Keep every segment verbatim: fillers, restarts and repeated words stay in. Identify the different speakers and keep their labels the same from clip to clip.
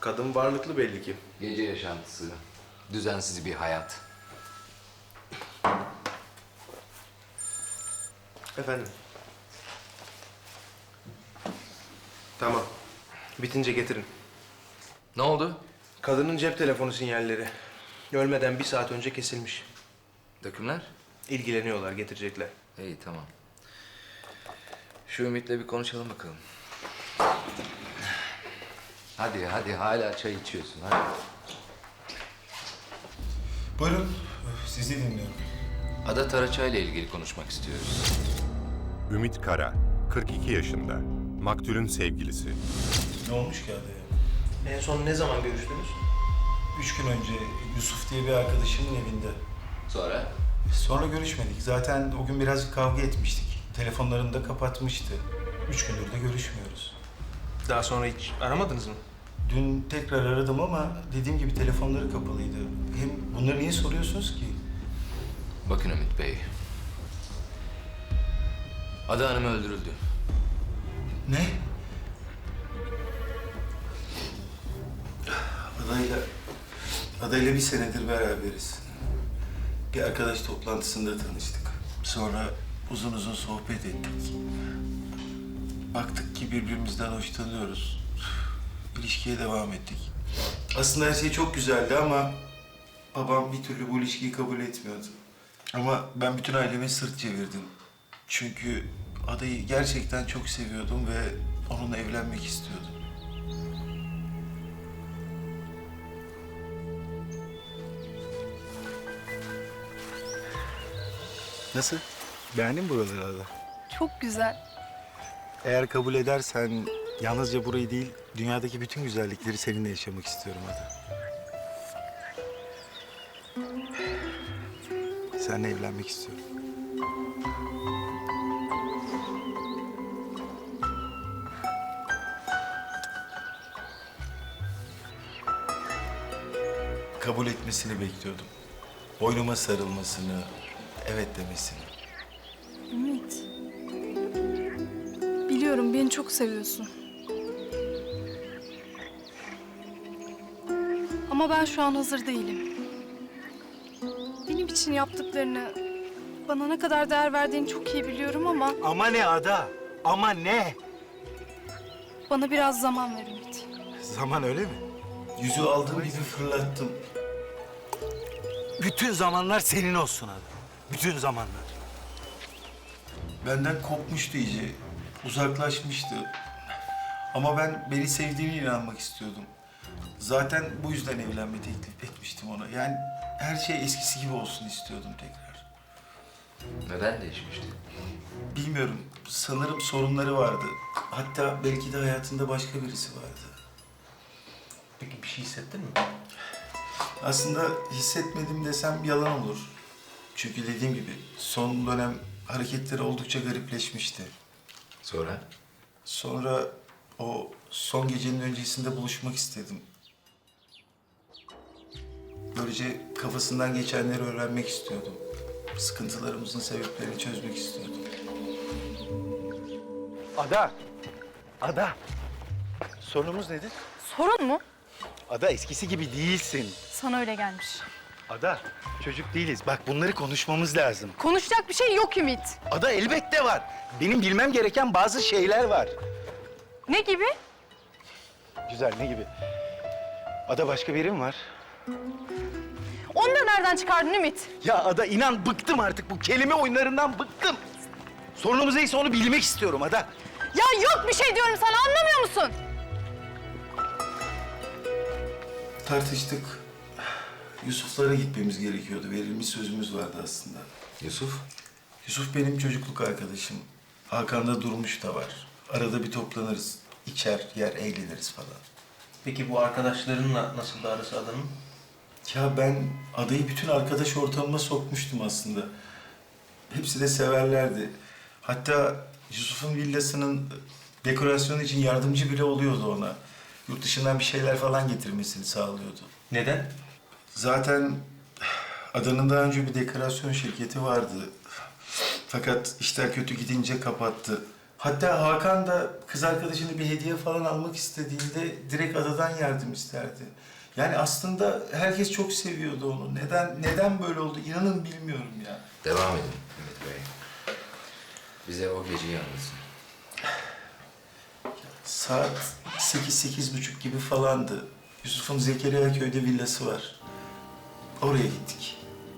Speaker 1: Kadın varlıklı belli ki.
Speaker 2: Gece yaşantısı, düzensiz bir hayat.
Speaker 1: Efendim? Tamam. Bitince getirin.
Speaker 2: Ne oldu?
Speaker 1: Kadının cep telefonu sinyalleri. Ölmeden bir saat önce kesilmiş.
Speaker 2: Dökümler?
Speaker 1: İlgileniyorlar, getirecekler.
Speaker 2: İyi, tamam. Şu Ümit'le bir konuşalım bakalım. Hadi, hadi. Hala çay içiyorsun, hadi.
Speaker 3: Buyurun, sizi dinliyorum.
Speaker 2: Ada Taraçay'la ilgili konuşmak istiyoruz.
Speaker 4: Ümit Kara, kırk iki yaşında. Maktulün sevgilisi.
Speaker 3: Ne olmuş ki adaya?
Speaker 1: En son ne zaman görüştünüz?
Speaker 3: Üç gün önce Yusuf diye bir arkadaşımın evinde.
Speaker 2: Sonra?
Speaker 3: Sonra görüşmedik. Zaten o gün birazcık kavga etmiştik. Telefonlarını da kapatmıştı. Üç gündür de görüşmüyoruz.
Speaker 1: Daha sonra hiç aramadınız mı?
Speaker 3: Dün tekrar aradım ama dediğim gibi telefonları kapalıydı. Hem bunları niye soruyorsunuz ki?
Speaker 2: Bakın Ümit Bey. Ada Hanım öldürüldü.
Speaker 3: Ne? Adayla, adayla bir senedir beraberiz. Bir arkadaş toplantısında tanıştık. Sonra uzun uzun sohbet ettik. Baktık ki birbirimizden hoşlanıyoruz. İlişkiye devam ettik. Aslında her şey çok güzeldi ama babam bir türlü bu ilişkiyi kabul etmiyordu. Ama ben bütün aileme sırt çevirdim. Çünkü adayı gerçekten çok seviyordum ve onunla evlenmek istiyordum. Nasıl? Beğendin mi buraları Ada?
Speaker 5: Çok güzel.
Speaker 3: Eğer kabul edersen yalnızca burayı değil, dünyadaki bütün güzellikleri seninle yaşamak istiyorum Ada. Seninle evlenmek istiyorum. Kabul etmesini bekliyordum. Boynuma sarılmasını, evet demesini.
Speaker 5: Ümit. Biliyorum beni çok seviyorsun. Ama ben şu an hazır değilim. Benim için yaptıklarını, bana ne kadar değer verdiğini çok iyi biliyorum ama
Speaker 3: Ama ne Ada? Ama ne?
Speaker 5: bana biraz zaman ver Ümit.
Speaker 3: Zaman öyle mi? Yüzü aldığım gibi fırlattım. Bütün zamanlar senin olsun Ada. Bütün zamanlar. Benden kopmuştu iyice. Uzaklaşmıştı. Ama ben beni sevdiğine inanmak istiyordum. Zaten bu yüzden evlenme teklif etmiştim ona. Yani her şey eskisi gibi olsun istiyordum tekrar.
Speaker 2: Neden değişmişti?
Speaker 3: Bilmiyorum. Sanırım sorunları vardı. Hatta belki de hayatında başka birisi vardı.
Speaker 1: Peki bir şey hissettin mi?
Speaker 3: Aslında hissetmedim desem yalan olur. Çünkü dediğim gibi son dönem hareketleri oldukça garipleşmişti.
Speaker 2: Sonra?
Speaker 3: Sonra o son gecenin öncesinde buluşmak istedim. Böylece kafasından geçenleri öğrenmek istiyordum. Sıkıntılarımızın sebeplerini çözmek istiyordum. Ada! Ada! Sorunumuz nedir?
Speaker 5: Sorun mu?
Speaker 3: Ada eskisi gibi değilsin.
Speaker 5: Sana öyle gelmiş.
Speaker 3: Ada çocuk değiliz. Bak bunları konuşmamız lazım.
Speaker 5: Konuşacak bir şey yok Ümit.
Speaker 3: Ada elbette var. Benim bilmem gereken bazı şeyler var.
Speaker 5: Ne gibi?
Speaker 3: Güzel ne gibi? Ada başka birim var.
Speaker 5: Onu da nereden çıkardın Ümit?
Speaker 3: Ya Ada inan bıktım artık bu kelime oyunlarından bıktım. Sorunumuz neyse onu bilmek istiyorum Ada.
Speaker 5: Ya yok bir şey diyorum sana, anlamıyor musun?
Speaker 3: Tartıştık. Yusuf'lara gitmemiz gerekiyordu. Verilmiş sözümüz vardı aslında.
Speaker 2: Yusuf?
Speaker 3: Yusuf benim çocukluk arkadaşım. Hakan'da Durmuş da var. Arada bir toplanırız. İçer, yer, eğleniriz falan.
Speaker 1: Peki bu arkadaşlarınla nasıl da arası adamın?
Speaker 3: Ya ben adayı bütün arkadaş ortamıma sokmuştum aslında. Hepsi de severlerdi. Hatta Yusuf'un villasının dekorasyonu için yardımcı bile oluyordu ona. Yurt dışından bir şeyler falan getirmesini sağlıyordu.
Speaker 1: Neden?
Speaker 3: Zaten adanın daha önce bir dekorasyon şirketi vardı. Fakat işler kötü gidince kapattı. Hatta Hakan da kız arkadaşına bir hediye falan almak istediğinde direkt adadan yardım isterdi. Yani aslında herkes çok seviyordu onu. Neden neden böyle oldu inanın bilmiyorum ya.
Speaker 2: Devam edin Ümit Bey. Bize o geceyi anlatın.
Speaker 3: Saat sekiz, sekiz buçuk gibi falandı. Yusuf'un Zekeriya köyde villası var. Oraya gittik.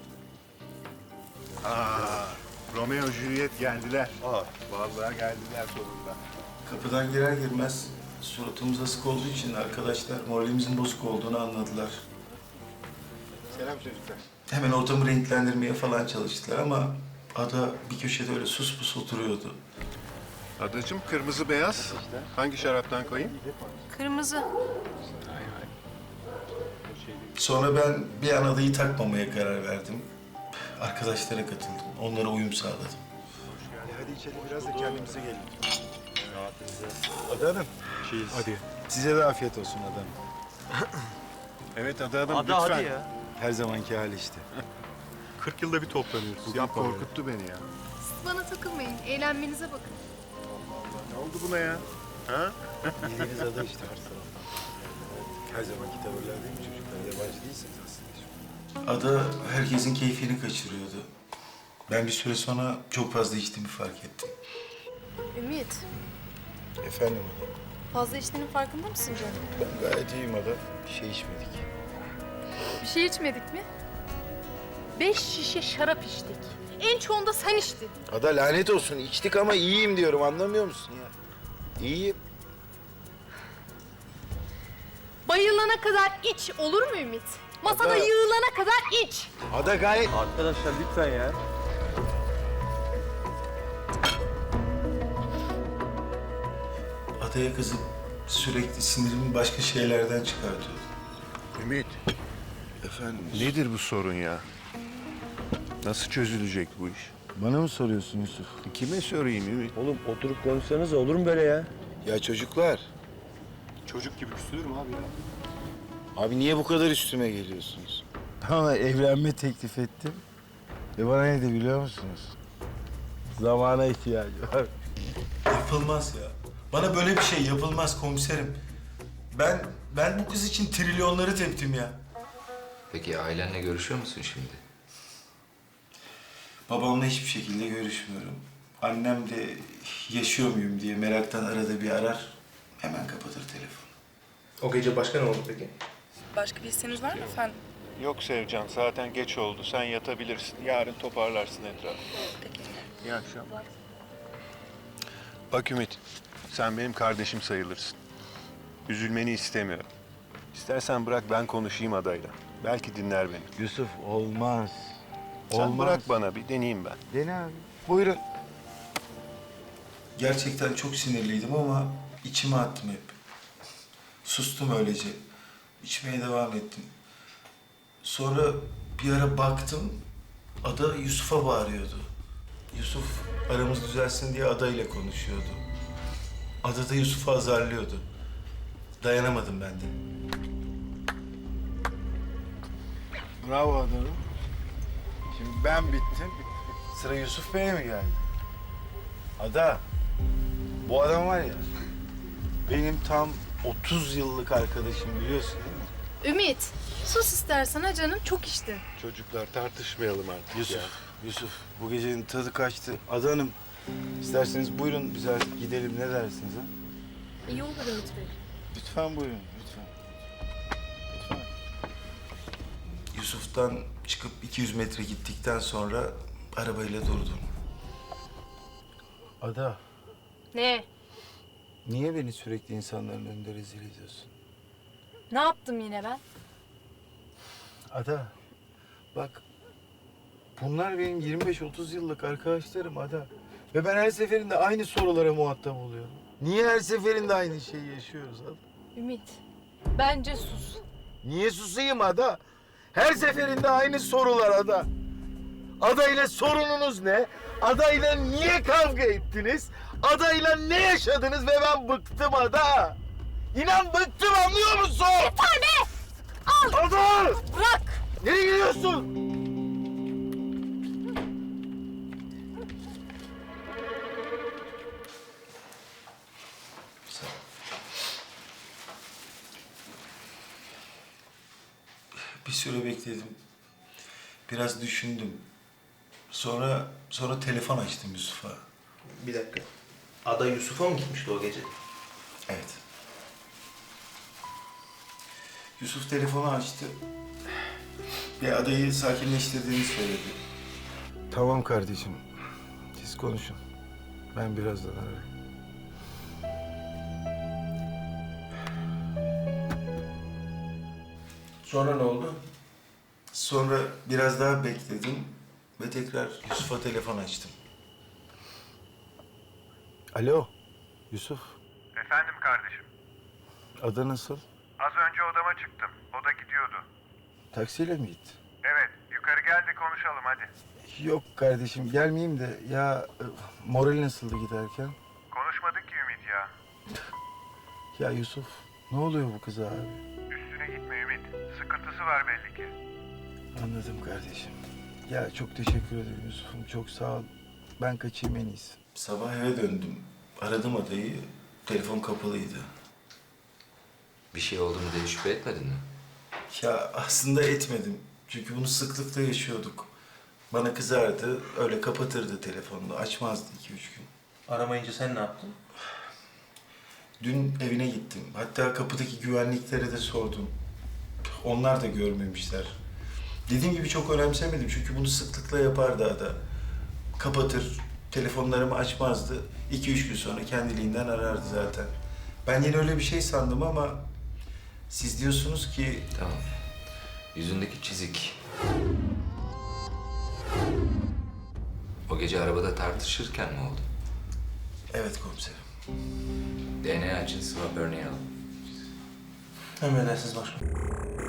Speaker 6: Aa, Romeo Juliet geldiler. Aa, vallahi geldiler sonunda.
Speaker 3: Kapıdan girer girmez suratımız asık olduğu için arkadaşlar moralimizin bozuk olduğunu anladılar.
Speaker 6: Selam çocuklar.
Speaker 3: Hemen ortamı renklendirmeye falan çalıştılar ama ada bir köşede öyle sus pus oturuyordu.
Speaker 6: Adacığım kırmızı beyaz. Hangi şaraptan koyayım?
Speaker 5: Kırmızı.
Speaker 3: Sonra ben bir an adayı takmamaya karar verdim. Arkadaşlara katıldım. Onlara uyum sağladım.
Speaker 6: Hadi içelim biraz da kendimize gelin. Ada Hanım. Hadi. Size de afiyet olsun Ada Hanım. Evet Ada Hanım
Speaker 7: Ada
Speaker 6: lütfen.
Speaker 7: hadi ya.
Speaker 6: Her zamanki hali işte.
Speaker 7: kırk yılda bir toplanıyoruz.
Speaker 6: Bugün korkuttu beni ya.
Speaker 5: Bana takılmayın. Eğlenmenize bakın.
Speaker 6: Ne oldu buna ya? Ha? Bildiğiniz ada işte her taraftan. Her zamanki tavırlar değil mi çocuklar? Yabancı değilsiniz aslında.
Speaker 3: Ada herkesin keyfini kaçırıyordu. Ben bir süre sonra çok fazla içtiğimi fark ettim.
Speaker 8: Ümit,
Speaker 6: Efendim Ada.
Speaker 8: fazla içtiğinin farkında mısın canım?
Speaker 6: Ben gayet iyiyim Ada. Bir şey içmedik.
Speaker 8: Bir şey içmedik mi? Beş şişe şarap içtik. En çoğunda sen içtin.
Speaker 9: Ada lanet olsun içtik ama iyiyim diyorum anlamıyor musun ya? İyiyim.
Speaker 8: Bayılana kadar iç, olur mu Ümit? Masada
Speaker 9: Ada-
Speaker 8: yığılana kadar iç.
Speaker 9: Ada gayet...
Speaker 7: Arkadaşlar lütfen ya.
Speaker 3: Adaya kızıp sürekli sinirimi başka şeylerden çıkartıyordu.
Speaker 6: Ümit.
Speaker 3: Efendim?
Speaker 6: Nedir bu sorun ya? Nasıl çözülecek bu iş?
Speaker 3: Bana mı soruyorsun Yusuf?
Speaker 6: Kime sorayım Ümit?
Speaker 7: Oğlum oturup konuşsanız olur mu böyle ya?
Speaker 9: Ya çocuklar,
Speaker 7: Çocuk gibi küsülür mü abi ya?
Speaker 9: abi niye bu kadar üstüme geliyorsunuz?
Speaker 10: Ama evlenme teklif ettim. Ve bana ne de biliyor musunuz? Zamana ihtiyacı var.
Speaker 3: Yapılmaz ya. Bana böyle bir şey yapılmaz komiserim. Ben ben bu kız için trilyonları teptim ya.
Speaker 2: Peki ailenle görüşüyor musun şimdi?
Speaker 3: Babamla hiçbir şekilde görüşmüyorum. Annem de yaşıyor muyum diye meraktan arada bir arar. Hemen kapatır telefonu.
Speaker 1: O gece başka ne oldu peki?
Speaker 11: Başka bir isteğiniz var mı efendim?
Speaker 6: Yok Sevcan, zaten geç oldu. Sen yatabilirsin. Yarın toparlarsın etrafı.
Speaker 11: Peki.
Speaker 6: İyi akşamlar. Bak Ümit, sen benim kardeşim sayılırsın. Üzülmeni istemiyorum. İstersen bırak ben konuşayım adayla. Belki dinler beni.
Speaker 10: Yusuf olmaz.
Speaker 6: Sen
Speaker 10: Olmaz.
Speaker 6: bırak bana bir deneyeyim ben.
Speaker 10: Dene abi. Buyurun.
Speaker 3: Gerçekten çok sinirliydim ama içime attım hep. Sustum öylece. İçmeye devam ettim. Sonra bir ara baktım, Ada Yusuf'a bağırıyordu. Yusuf aramız düzelsin diye Ada ile konuşuyordu. Ada da Yusuf'u azarlıyordu. Dayanamadım ben de.
Speaker 10: Bravo adamım. Şimdi ben bittim. Sıra Yusuf Bey'e mi geldi? Ada, bu adam var ya, benim tam otuz yıllık arkadaşım biliyorsun değil mi?
Speaker 8: Ümit, sus istersen ha canım, çok içtin.
Speaker 6: Çocuklar tartışmayalım artık
Speaker 10: Yusuf,
Speaker 6: ya.
Speaker 10: Yusuf bu gecenin tadı kaçtı. Ada Hanım, isterseniz buyurun biz artık gidelim ne dersiniz ha?
Speaker 8: İyi olur Ümit Bey.
Speaker 10: Lütfen buyurun, lütfen. Lütfen.
Speaker 3: Yusuf'tan çıkıp iki yüz metre gittikten sonra arabayla durdum.
Speaker 10: Ada,
Speaker 8: Ne?
Speaker 10: niye beni sürekli insanların önünde rezil ediyorsun?
Speaker 8: Ne yaptım yine ben?
Speaker 10: Ada, bak bunlar benim yirmi beş otuz yıllık arkadaşlarım Ada. Ve ben her seferinde aynı sorulara muhatap oluyorum. Niye her seferinde aynı şeyi yaşıyoruz Ada?
Speaker 8: Ümit, bence sus.
Speaker 10: Niye susayım Ada? Her seferinde aynı sorular Ada. Ada ile sorununuz ne? Ada ile niye kavga ettiniz? Ada ile ne yaşadınız ve ben bıktım Ada. İnan bıktım anlıyor musun?
Speaker 8: Yeter be! Al!
Speaker 10: Ada!
Speaker 8: Bırak!
Speaker 10: Nereye gidiyorsun?
Speaker 3: Bir süre bekledim. Biraz düşündüm. Sonra sonra telefon açtım Yusuf'a.
Speaker 1: Bir dakika. Ada Yusuf'a mı gitmişti o gece?
Speaker 3: Evet. Yusuf telefonu açtı. Ve adayı sakinleştirdiğini söyledi. Tamam kardeşim. Siz konuşun. Ben birazdan ararım.
Speaker 1: Sonra ne oldu?
Speaker 3: Sonra biraz daha bekledim ve tekrar Yusuf'a telefon açtım. Alo, Yusuf.
Speaker 6: Efendim kardeşim.
Speaker 3: Ada nasıl?
Speaker 6: Az önce odama çıktım. O da gidiyordu.
Speaker 3: Taksiyle mi gitti?
Speaker 6: Evet, yukarı gel de konuşalım hadi.
Speaker 3: Yok kardeşim, gelmeyeyim de ya e, moral nasıldı giderken?
Speaker 6: Konuşmadık ki Ümit ya.
Speaker 3: Ya Yusuf, ne oluyor bu kıza abi?
Speaker 6: Üstüne gitme Ümit. Sıkıntısı var belli ki.
Speaker 3: Anladım kardeşim. Ya çok teşekkür ederim Yusuf'um, çok sağ ol. Ben kaçayım en iyisi. Sabah eve döndüm. Aradım adayı, telefon kapalıydı.
Speaker 2: Bir şey oldu mu diye şüphe etmedin mi?
Speaker 3: Ya aslında etmedim. Çünkü bunu sıklıkla yaşıyorduk. Bana kızardı, öyle kapatırdı telefonunu. Açmazdı iki üç gün.
Speaker 1: Aramayınca sen ne yaptın?
Speaker 3: Dün evine gittim. Hatta kapıdaki güvenliklere de sordum. Onlar da görmemişler. Dediğim gibi çok önemsemedim çünkü bunu sıklıkla yapardı ada. Kapatır, telefonlarımı açmazdı. İki üç gün sonra kendiliğinden arardı zaten. Ben yine öyle bir şey sandım ama siz diyorsunuz ki
Speaker 2: Tamam. Yüzündeki çizik. O gece arabada tartışırken mi oldu?
Speaker 3: evet komiserim.
Speaker 2: D N A için swab örneği al.
Speaker 1: Emredersiniz başkanım.